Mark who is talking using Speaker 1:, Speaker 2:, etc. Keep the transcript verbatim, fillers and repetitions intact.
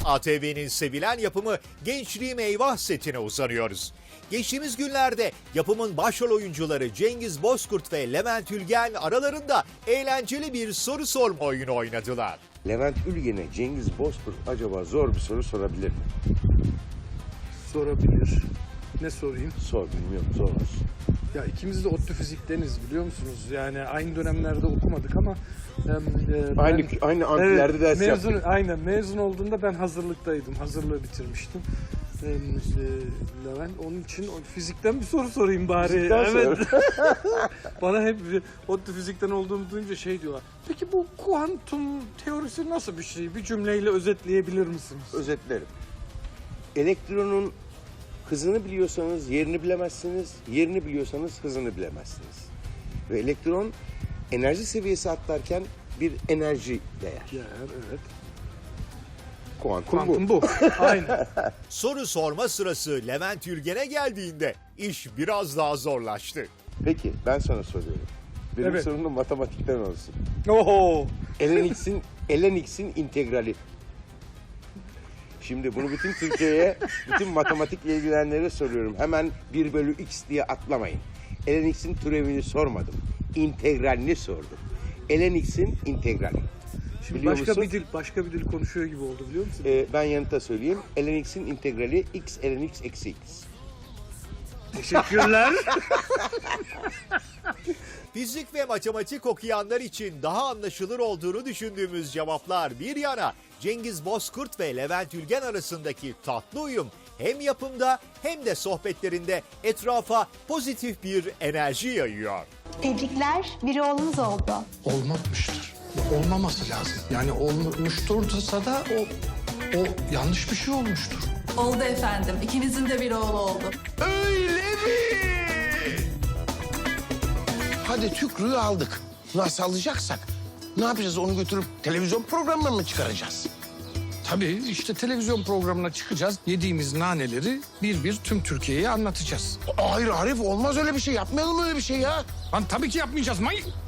Speaker 1: A T V'nin sevilen yapımı Gençliğim Eyvah setine uzanıyoruz. Geçtiğimiz günlerde yapımın başrol oyuncuları Cengiz Bozkurt ve Levent Ülgen aralarında eğlenceli bir soru sorma oyunu oynadılar.
Speaker 2: Levent Ülgen'e Cengiz Bozkurt acaba zor bir soru sorabilir mi?
Speaker 3: Sorabilir. Ne sorayım?
Speaker 2: Sor, bilmiyorum, zor olsun.
Speaker 3: Ya ikimiz de ODTÜ fizikteniz biliyor musunuz? Yani aynı dönemlerde okumadık ama... E, e, ben,
Speaker 2: Aynı aynı amfilerde
Speaker 3: evet,
Speaker 2: ders
Speaker 3: mezun,
Speaker 2: yaptık.
Speaker 3: Aynen mezun olduğunda ben hazırlıktaydım. Hazırlığı bitirmiştim. E, e, Levent onun için o fizikten bir soru sorayım bari.
Speaker 2: Fizikten
Speaker 3: Evet. Bana hep ODTÜ fizikten olduğumu duyunca şey diyorlar. Peki bu kuantum teorisi nasıl bir şey? Bir cümleyle özetleyebilir misiniz?
Speaker 2: Özetlerim. Elektronun hızını biliyorsanız yerini bilemezsiniz, yerini biliyorsanız hızını bilemezsiniz. Ve elektron enerji seviyesi atlarken bir enerji değer.
Speaker 3: Ya evet.
Speaker 2: Kuantum,
Speaker 3: Kuantum
Speaker 2: bu.
Speaker 3: bu. Aynen.
Speaker 1: Soru sorma sırası Levent Ülgen'e geldiğinde iş biraz daha zorlaştı.
Speaker 2: Peki ben sana soruyorum. Benim
Speaker 3: Evet.
Speaker 2: sorum da matematikten olsun.
Speaker 3: Oho.
Speaker 2: ln x'in ln x'in integrali. Şimdi bunu bütün Türkiye'ye, bütün matematikle ilgilenenlere soruyorum. Hemen bir bölü x diye atlamayın. ln x'in türevini sormadım. İntegralini sordum. ln x'in integrali.
Speaker 3: Şimdi
Speaker 2: Biliyor
Speaker 3: başka
Speaker 2: musun?
Speaker 3: bir dil, başka bir dil konuşuyor gibi oldu biliyor musun?
Speaker 2: Ee, ben yanıta söyleyeyim. ln x'in integrali x ln x eksi x.
Speaker 3: Teşekkürler.
Speaker 1: Fizik ve matematik okuyanlar için daha anlaşılır olduğunu düşündüğümüz cevaplar bir yana, Cengiz Bozkurt ve Levent Ülgen arasındaki tatlı uyum hem yapımda hem de sohbetlerinde etrafa pozitif bir enerji yayıyor.
Speaker 4: Tebrikler, bir oğlunuz oldu.
Speaker 5: Olmamıştır. Olmaması lazım. Yani olmuştursa da o, o yanlış bir şey olmuştur.
Speaker 6: Oldu efendim. İkinizin de bir oğlu oldu.
Speaker 7: Öyle mi? Hadi tükrüğü aldık. Nasıl alacaksak? Ne yapacağız? Onu götürüp televizyon programına mı çıkaracağız?
Speaker 5: Tabii işte televizyon programına çıkacağız. Yediğimiz naneleri bir bir tüm Türkiye'ye anlatacağız.
Speaker 7: Hayır Arif, olmaz öyle bir şey. Yapmayalım öyle bir şey ya.
Speaker 5: Lan tabii ki yapmayacağız. May